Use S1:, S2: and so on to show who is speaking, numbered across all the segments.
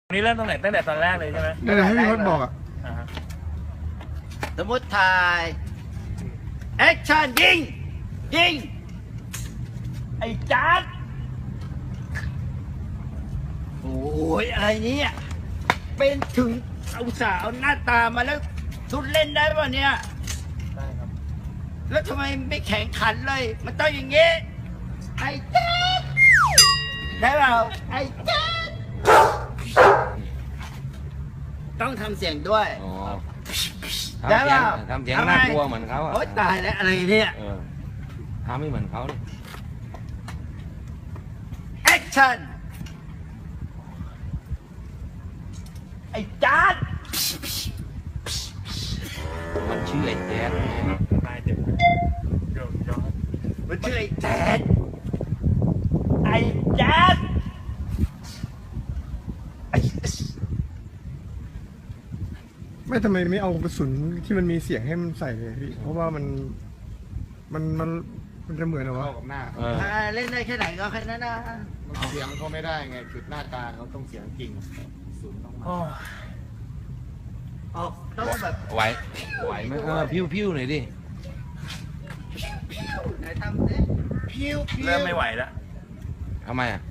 S1: นี่เริ่มตั้งแต่ตอนแรกเลยใช่ไหม
S2: นั่นแหละให้พี่พจน์บอกอ่ะ
S3: สมมติถ่ายแอคชั่นยิง
S1: ไอ้จัด
S3: โอ้ยอะไรเนี่ยเป็นถึงสาวหน้าตามาแล้วทุนเล่นได้ป่ะเนี่ย
S1: ได้ครับ
S3: แล้วทำไมไม่แข่งขันเลยมันต้องอย่างงี้ไอ้แจ๊ดได้เปล่าไอ้แจ๊ดต้องทำเสียงด้วยได้เปล่า
S4: ทำเสียงน่ากลัวเหมือนเขาอ่ะ
S3: โอ๊ยตายแล้วอะไรเนี่ย
S4: ทำไม่เหมือนเขาเลย
S3: แอคชั่นไอ้จัด
S4: มันชื่อไอ้แจ๊ด
S1: ตายเจ็บเดี๋ยวย้อน
S3: มันชื่อไอ้แจ๊ด
S1: ไอ้จัด
S2: ไม่ทำไมไม่เอากระสุนที่มันมีเสียงให้มันใส่เลยพี่เพราะว่ามันจะเหมือนเหรอวะ
S5: เข้ากับหน้า
S3: เล่นได้แค่ไหนก็แค่นั้นนะ
S5: เสียงเขาไม่ได้ไงจุดหน้าตาเขาต้องเสียงจริงศูนย์ต้องมา
S1: โอ้
S3: ออกต้องแบบ
S4: ไหวไหมพิ้วหน่อยดิ
S3: ไหนทำสิพิ้ว
S1: เริ่มไม่ไหวแล้ว
S4: ทำไมอ่ะ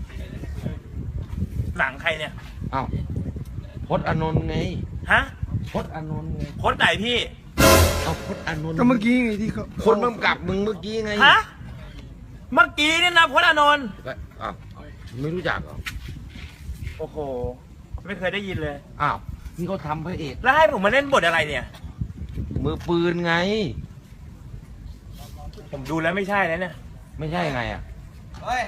S1: หนังใครเนี่ย
S4: อ้าวพจน์อานนท์ไง
S1: ฮะ
S4: พจน์อานนท์ไง
S1: โค้ดไหนพี่
S4: เอาพจน์อานนท์
S2: ก็เมื่อกี้ไงที่เขา
S4: คนกำกับมึงเมื่อกี้ไง
S1: ฮะเมื่อกี้นี่นะโค้ดอานนท์
S4: อ้าวไม่รู้จักเหรอ
S1: โอ้โหไม่เคยได้ยินเลย
S4: อ้าวนี่เขาทำพระเอก
S1: แล้วให้ผมมาเล่นบทอะไรเนี่ย
S4: มือปืนไง
S1: ผมดูแล้วไม่ใช่แล้วเนี่ย
S4: ไม่ใช่ไงอ่ะ
S3: เฮ้ย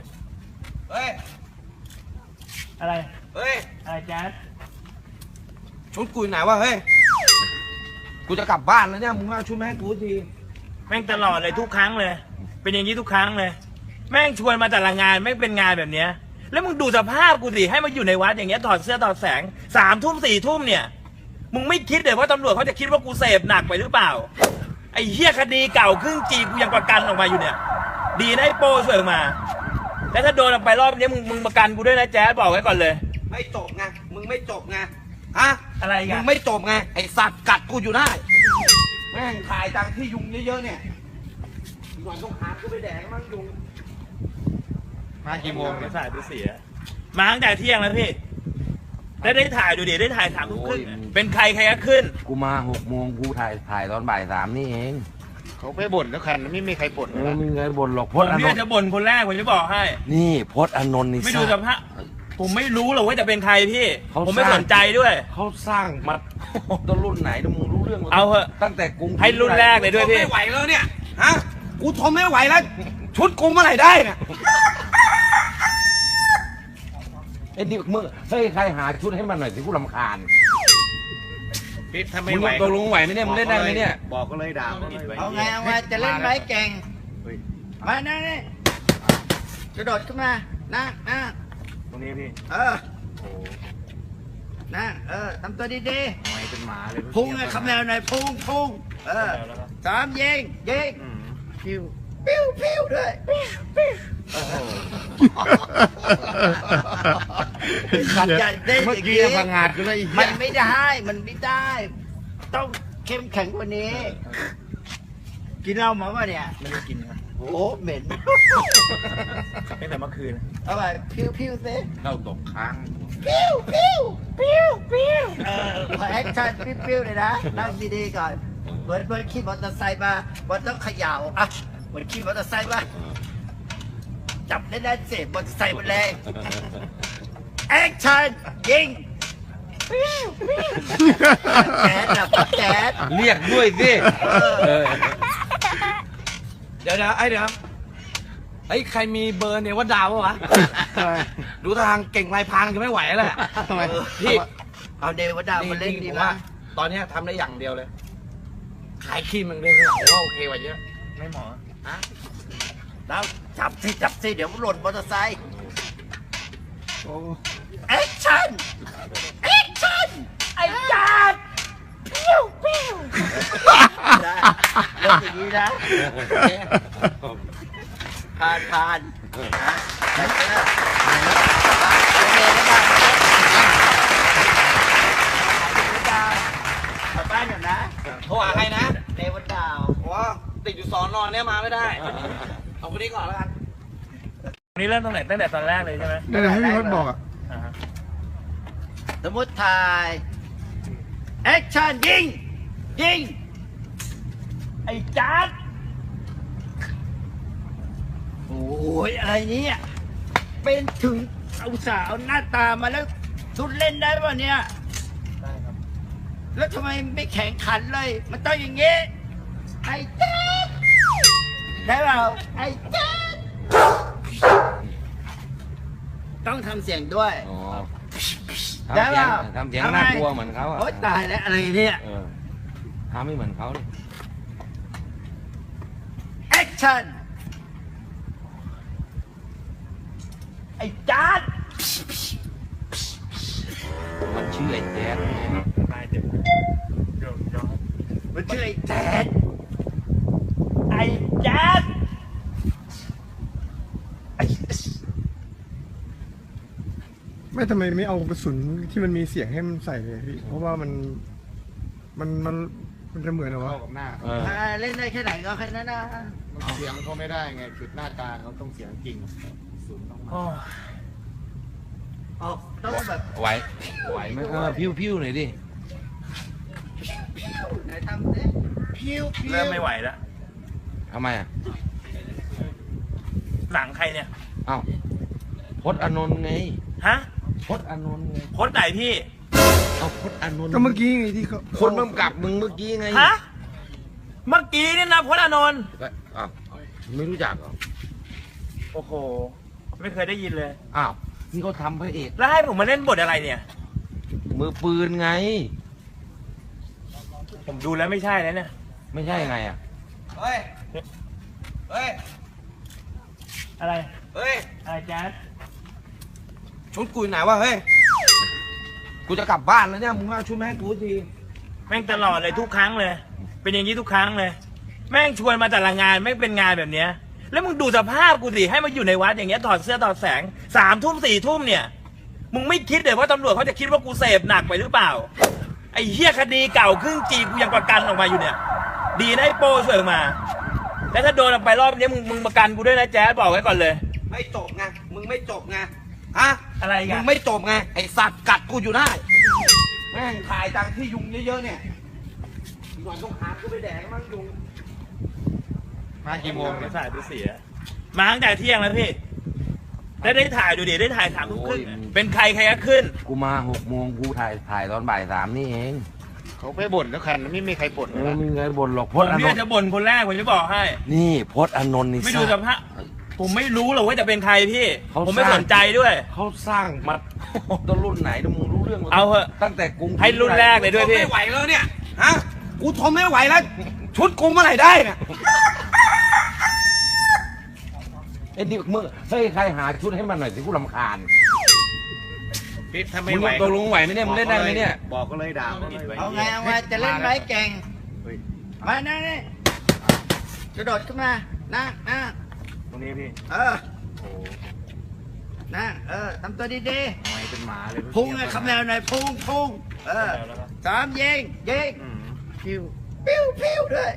S1: อะไร
S3: เฮ้ย
S1: อะไรจัด
S4: ชุดกูไหนวะเฮ้ยกูจะกลับบ้านแล้วเนี่ยมึงเอาชุดมาให้กูที
S1: แม่งตลอดเลยทุกครั้งเลย เป็นอย่างนี้ทุกครั้งเลย แม่งชวนมาแต่ละงานไม่เป็นงานแบบเนี้ยแล้วมึงดูสภาพกูสิให้มาอยู่ในวัดอย่างเงี้ยถอดเสื้อถอดแสง3 ทุ่ม4 ทุ่มเนี่ยมึงไม่คิดเลยว่าตำรวจเขาจะคิดว่ากูเสพหนักไปหรือเปล่าไอ้เหี้ยคดีเก่าครึ่งจีกูยังประกันออกมาอยู่เนี่ย ดีนะไอ้โป้ช่วยออกมาแล้วถ้าโดนออกไปรอบนี้มึงประกันกูด้วยนะแจ๊ดบอกไว้ก่อนเลย
S4: ไม่จบไงมึงไม่จบไงฮะ
S1: อะไร
S4: มึ
S1: กัน
S4: งไม่จบไงไอสัตว์กัดกูอยู่ได้แม่งถ่ายจังที่ยุงเยอะๆเนี่ยหน่อยต้องหากูไปแดกมั่งยุง
S5: มากี่โมง
S1: ไม่
S5: เนี่ย
S1: ถ่ายไปเสียมาตั้งแต่เที่ยงแล้วพี่แล้วได้ถ่ายดูดิได้ถ่าย3 ทุ่มครึ่งเป็นใครก็ขึ้น
S4: กูมา6 โมงกูถ่ายตอนบ่าย 3นี่เอง
S5: เขาไปบ่นแล้วกันไม่มีใครบ่น
S4: ไม่มีเงินบ่นหรอกพ
S1: ผม
S4: จน์อาน
S1: เนี่ย
S4: นท์
S1: จะบ่นคนแรกผมจะบอกให้
S4: นี่พจน์อานนท์นี่
S1: ไม่ดูส
S4: สร้าง
S1: ภาพผมไม่รู้หรอกว่าจะเป็นใครพี่
S4: เขา
S1: ผมไม่
S4: สร้าง
S1: สนใจด้วย
S4: เขาสร้างมาต้นรุ่นไหนมึงรู้เรื่องหมด
S1: เอาเหอะ
S4: ตั้งแต่กรุง
S1: ให้รุ่นแรกเลยด้วยพี่
S4: กูทนไม่ไหวแล้วเนี่ยฮะกูทนไม่ไหวแล้ว ชุดกูเมื่อไหร่ได้เนี่ยไอ้นี่มึงเฮ้ยใครหาชุดให้มันหน่อยสิกูรำคาญ
S5: พี่ถ้า
S4: มึ
S5: ไม่
S4: ง
S5: ไหว
S4: ตกลงไหวไหมเนี่ยมึงเล่นได้ไหมเนี่ย
S5: บอกก็เลยด่าก็เลย
S3: เอาไงจะเล่นไหมเก่งมานั่งนี่กระโดดขึ้นมานั่ง
S1: ตรงนี้พี่
S3: นั่งทำตัวดี
S5: ไม่เป็นหมาเลย
S3: ๆพุ่งเลยคำแนวหน่อยพุ่ง3ยิงปิ้วด้วยขัดใจได้
S5: เมื่อ
S3: อย่าง
S5: กี้
S3: นี้
S5: พังงาดก็เลย
S3: มันไม่ได้ ต้องเข้มแข็งกว่านี้ กินเหล้ามาป่ะเนี่ย
S1: ไม่ได้กินครับ
S3: โอ้เหม็น
S1: ตั้งแต่เมื่อคืน
S3: เอาไปพิ้วๆสิ
S4: เข้าตกค้าง
S3: ปิ้วขอแอคชั่นปิ้วเลยนะนั่งดีๆก่อนเหมือนขี่มอเตอร์ไซค์มามันต้องเขย่าอ่ะเหมือนขี่มอเตอร์ไซค์มาจับได้แน่ๆเสพมอเตอร์ไซค์มันเลยแอคชั่นยิงแจ๊ดนะปัดแจ๊ด
S4: เรียกด้วยสิเออ
S6: เดี๋ยวไอ้ใครมีเบอร์เนี่ยว่าดาววะ ดูทางเก่งลายพรางจะไม่ไหวแล้วแหละ
S5: ทำไม
S6: พี่
S3: เอาเดวดามาเล่นดี
S6: ผม
S3: มา
S6: ว่าก ตอนเนี้ยทำได้อย่างเดียวเลย ขายครีมมันเรื่องผมว่าโอเคกว่าเยอะ
S1: ไม่หมอ
S3: แล้วจับสิเดี๋ยวมันหล่นมอเตอร์ไซค์แอคชั่นไอ้จัดปิ้วเริ่มอย่างนี้นะผ่านโอเคนะครับ
S6: อยู่สอนอนเนี่ยมาไม่ได้เอาคนนี้ก่อนแล้วกัน
S1: วันนี้เริ่มตั้งแต่ตอนแรกเลยใช่ไหม
S2: นั่นแหละให้พี่พจน์บอกอ่ะ
S1: อ่าฮะ
S3: สมมติถ่ายแอคชั่นยิงยิง
S1: ไอ้จัด
S3: โอ้ยอะไรเนี่ยเป็นถึงเอาสาวหน้าตามาแล้วทุนเล่นได้ป่ะเนี่ยได้ครับแล้วทำไมไม่แข่งขันเลย มันต้องอย่างงี้ไอ้แจ๊ดได้เปล่าไอ้แจ๊ดต้องทำเสียงด้วย
S7: อ๋อ
S3: ได้เปล่า
S7: ทำเสียงน่ากลัวเหมือนเขาอ่ะ
S3: โอ๊ยตายแล้วอะไรเนี่ย
S7: เออทำไม่เหมือนเขาเลย
S3: แอคชั่น
S1: ไอ้จัด
S7: มันชื่อไอ้แจ๊ด
S1: ตายเจ็บเดี๋ยว
S3: มันชื่อไอ้แจ๊ด
S1: ไอ้จัด
S2: ไม่ทำไมไม่เอากระสุนที่มันมีเสียงให้มันใส่เลยพี่ เพราะว่ามันจะเหมือนเหรอวะ
S5: เข้ากับหน้า
S7: เออ
S3: เล่นได้แค่ไหนก็แค่นั้นนะ
S5: มันเสียงเขาไม่ได้ไงจุดหน้ากลางเขาต้องเสียงจริงศูนย์ต้องมา
S1: โอ้
S3: ออกต้องแบบ
S7: ไหวไหวไหมพิ้วหน่อยดิ
S3: ไหนทำสิพิวพิว
S1: เริ่มไม่ไหวแล้ว
S7: ทำไมอ่ะ
S1: หนังใครเนี่ย
S7: เอ้าพจน์อานนท์ไง
S1: ฮะ
S7: พจน์อานนท์ไง
S1: โพสต์ไหนพี่
S7: เอาพจน์อานนท์
S2: ก็เมื่อกี้ไงที่เขา
S7: คนกำกับมึงเมื่อกี้ไง
S1: ฮะ เมื่อกี้นี่นะโพสต์อานนท์
S7: อ้าวไม่รู้จักเหรอ
S1: โอ้โห ไม่เคยได้ยินเลย
S7: อ้าวนี่เขาทำพระเอก
S1: แล้วให้ผมมาเล่นบทอะไรเนี่ย
S7: มือปืนไง
S1: ผมดูแล้วไม่ใช่แล้วเนี่ย
S7: ไม่ใช่ไงอ่ะ
S6: เฮ้ย เฮ้ย
S1: อะไร
S6: เฮ้ย
S1: อะไรจัด
S6: ชุดกูอยู่ไหนวะเฮ้ย กูจะกลับบ้านแล้วเนี่ย มึงเอาชุดมาให้กูที
S1: แม่งตลอดเลยทุกครั้งเลย เป็นอย่างนี้ทุกครั้งเลย แม่งชวนมาแต่ละงานไม่เป็นงานแบบเนี้ย แล้วมึงดูสภาพกูสิให้มาอยู่ในวัดอย่างเงี้ยถอดเสื้อถอดแสง3 ทุ่ม 4 ทุ่มเนี่ย มึงไม่คิดเลยว่าตำรวจเขาจะคิดว่ากูเสพหนักไปหรือเปล่า ไอ้เหี้ยคดีเก่าครึ่งจีกูยังประกันออกมาอยู่เนี่ย ดีนะไอ้โป้ช่วยออกมา แล้วถ้าโดนออกไปรอบนี้มึงประกันกูด้วยนะแจ๊ดบอกไว้ก่อนเลย
S6: ไม่จบไง มึงไม่จบไง ฮะ
S1: อะไรอีกัน
S6: มึงไม่จบไง ไอสัตว์กัดกูอยู่ได้ แม่งถ่ายตังที่ยุงเยอะๆเนี่ยอีกหน่อยต้องหากูไปแดกมั้งยุง
S5: มากี่โมง
S1: ไม่
S5: เนี่ย
S1: ถ่ายไปเสียมาตั้งแต่เที่ยงแล้วพี่แล้วได้ถ่ายดูดิได้ถ่าย3 ทุ่มครึ่งเป็นใครก็ขึ้น
S7: กูมา6 โมงกูถ่ายตอนบ่าย 3นี่เอง
S5: เขาไปบ่นแล้วกันไม่มีใครบ่น
S7: ไม่มีเงินบ่นหรอกพ
S1: ผม
S7: จน์อา
S1: เนี่ย
S7: นน
S1: จะ
S7: ท์
S1: บ่นคนแรกผมจะบอกให้
S7: นี่พจน์อานนท์นี่
S1: ไม่ดู
S7: ส
S1: ส
S7: ร้าง
S1: ภาพผมไม่รู้หรอกว่าจะเป็นใครพี่
S7: เขา
S1: ผมไม่
S7: สร้าง
S1: สนใจด้วย
S7: เขาสร้างมาต้นรุ่นไหนนะมึงรู้เรื่องหมด
S1: เอาเหอะ
S7: ตั้งแต่กรุง
S1: ให้รุ่นแรกเลยด้วยพี่
S6: ไม่ไหวแล้วเนี่ย ฮะ กูทนไม่ไหวแล้ว ชุดกูเมื่อไหร่ได้เนี่ย
S7: ไอ้นี่มึงเฮ้ยใครหาชุดให้มันหน่อยสิกูรำคาญ
S5: พี่ถ้า
S7: มึ
S5: ไม่
S7: ง
S5: ไหว
S7: ตกลงไหวไหมเนี่ยมึงเล่นได้ไหมเนี่ย
S5: บอกก็เลยด่าเขาเลย
S3: เอาไงจะเล่นไหมเก่ง
S5: เฮ้ย
S3: มานั่งนี่กระโดดขึ้นมานั่ง
S1: ตรงนี้พี่
S3: นั่งทำตัวดี
S5: ไม่เป็นหมาเลย
S3: ๆ พุ่งเลยคำแนวหน่อยพุ่ง3ยิงพิวพิวพิวด้วย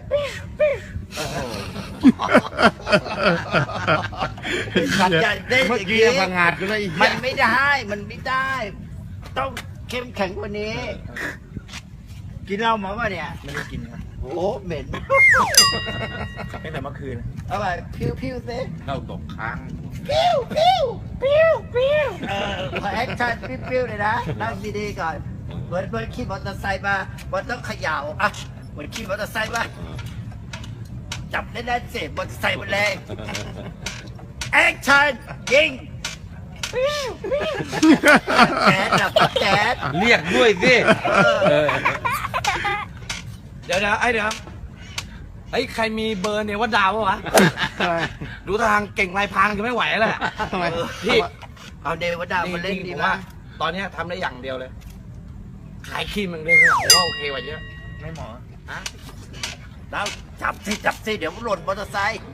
S3: ขัดใจได้
S5: เมื่อ
S3: อย่าง
S5: กี้
S3: นี้
S5: ยังพังงาดอยู่เลย
S3: มันไม่ได้ มันไม่ได้ ต้องเข้มแข็งกว่านี้ กินเหล้ามาป่ะเนี่ย
S1: ไม่ได้กินครับ
S3: โอ้เหม็น
S1: ตั้งแต่เมื่อคืน
S3: เอาไปพิวพิวซิ
S7: เราตกค้าง
S3: พิวพิวพิวพิวขอแอคชั่นพิวพิวเลยนะนั่งดีๆก่อนเหมือนขี่มอเตอร์ไซค์มามันต้องเขย่าอ่ะเหมือนขี่มอเตอร์ไซค์มาจับได้แน่เสพมอเตอร์ไซค์มันเลยแอคชั่นยิงพิวพิวแจ๊ดนะแจ๊ด
S7: เรียกด้วยสิเออ
S6: เดี๋ยวไอ้ไอ้ใครมีเบอร์เนี่ยว่าดาววะ ดูทางเก่งลายพรางจะไม่ไหวแล้วแหละ
S5: ทำไม
S6: พี่
S3: เอาเดวดามาเล่นดี
S6: ผม
S3: มา
S6: ว่าก ตอนเนี้ยทำได้อย่างเดียวเลย ขายครีมอย่างเดียวเลยผมว่าโอเคกว่าเยอะ
S1: ไม่หมอ
S3: แล้วจับสิเดี๋ยวมันหล่นมอเตอร์ไซค์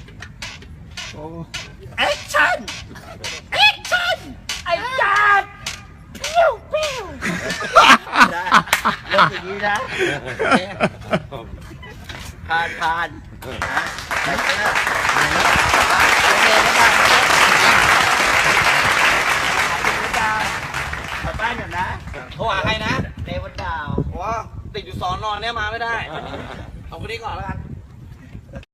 S3: แอคชั่นแอคชั่นไอ้จัดปิ้วปิ้วได้เริ่มอย่างนี้นะผ่านนะไปเจอโอเคนะครับกลับบ้านก่อนนะ
S6: โทรหาใครนะ
S3: เดวันดาว
S6: โอ้ติดอยู่สอนอนเนี่ยมาไม่ได้ เอาคนนี้ก่อนแล้วกัน